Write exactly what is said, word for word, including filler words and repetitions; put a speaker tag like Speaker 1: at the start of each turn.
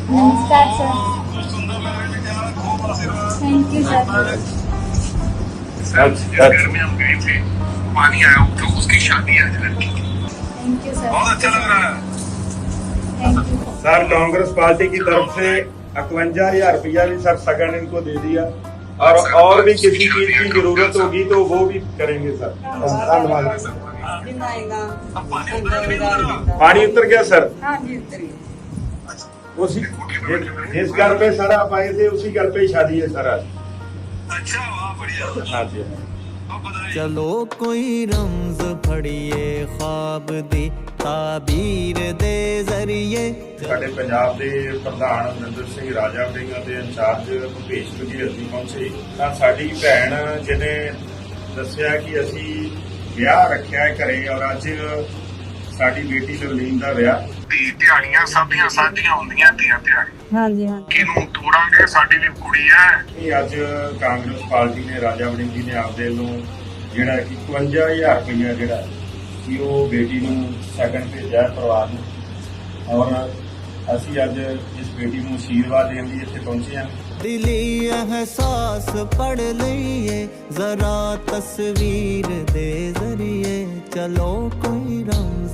Speaker 1: नमस्कार sir. Thank you sir.
Speaker 2: Sir घर में हम गए थे, पानी आया तो उसकी शादी है आज लड़की की।
Speaker 1: Thank you sir.
Speaker 2: बहुत अच्छा लग रहा है।
Speaker 1: Thank you.
Speaker 3: Sir Congress party की तरफ से इक्यावन हजार रुपया भी सर सगन इनको दे दिया और और भी किसी चीज की जरूरत होगी तो वो भी करेंगे सर। धन्यवाद। पानी उतर गया सर?
Speaker 4: हाँ जी उतर गया।
Speaker 3: उसी जिस घर पे सर आप आए थे उसी घर पे ही शादी है सर आज।
Speaker 2: अच्छा वाह बढ़िया।
Speaker 3: हाँ जी।
Speaker 5: चलो कोई रमज फड़िए ख्वाब दी ताबीर दे जरिए।
Speaker 3: ਸਾਡੇ ਪੰਜਾਬ ਦੇ ਪ੍ਰਧਾਨ ਅਮਰਿੰਦਰ ਸਿੰਘ ਰਾਜਾ ਵੜਿੰਗ ਦੇ ਇੰਚਾਰਜ ਭੁਪੇਸ਼ ਬਘੇਲ ਜੀ ਪਹੁੰਚੇ ਤਾਂ ਸਾਡੀ ਭੈਣ ਜਿਹਨੇ ਦੱਸਿਆ ਕਿ ਅਸੀਂ ਵਿਆਹ ਰੱਖਿਆ ਹੈ ਘਰੇ ਔਰ ਅੱਜ ਸਾਡੀ ਬੇਟੀ ਲਵਲੀਨ ਦਾ ਵਿਆਹ।
Speaker 2: ਧੀ ਧਿਆਣੀਆਂ ਸਭ ਦੀਆਂ ਸਾਂਝੀਆਂ ਹੁੰਦੀਆਂ ਧੀਆਂ ਧਿਆਣੀਆਂ।
Speaker 4: हाँ जी हाँ।
Speaker 2: ਕਿਹਨੂੰ ਤੋੜਾਂਗੇ, ਸਾਡੀ ਵੀ ਕੁੜੀ ਹੈ।
Speaker 3: ਇਹ ਅੱਜ ਕਾਂਗਰਸ ਪਾਰਟੀ ਨੇ ਰਾਜਾ ਵੜਿੰਗ ਜੀ ਨੇ ਆਪਦੇ ਵੱਲੋਂ ਜਿਹੜਾ ਕਿ ਇਕਵੰਜਾ ਹਜ਼ਾਰ ਰੁਪਈਆ ਜਿਹੜਾ ਕਿ ਉਹ ਬੇਟੀ ਨੂੰ ਸਗਨ ਭੇਜਿਆ ਪਰਿਵਾਰ ਨੂੰ ਔਰ ਅਸੀਂ ਅੱਜ ਇਸ ਬੇਟੀ ਨੂੰ ਆਸ਼ੀਰਵਾਦ ਦੇਣ ਲਈ ਇੱਥੇ ਪਹੁੰਚੇ ਹਾਂ।
Speaker 5: दिली एहसास पढ़ लइए जरा तस्वीर दे जरिए। चलो कोई रमज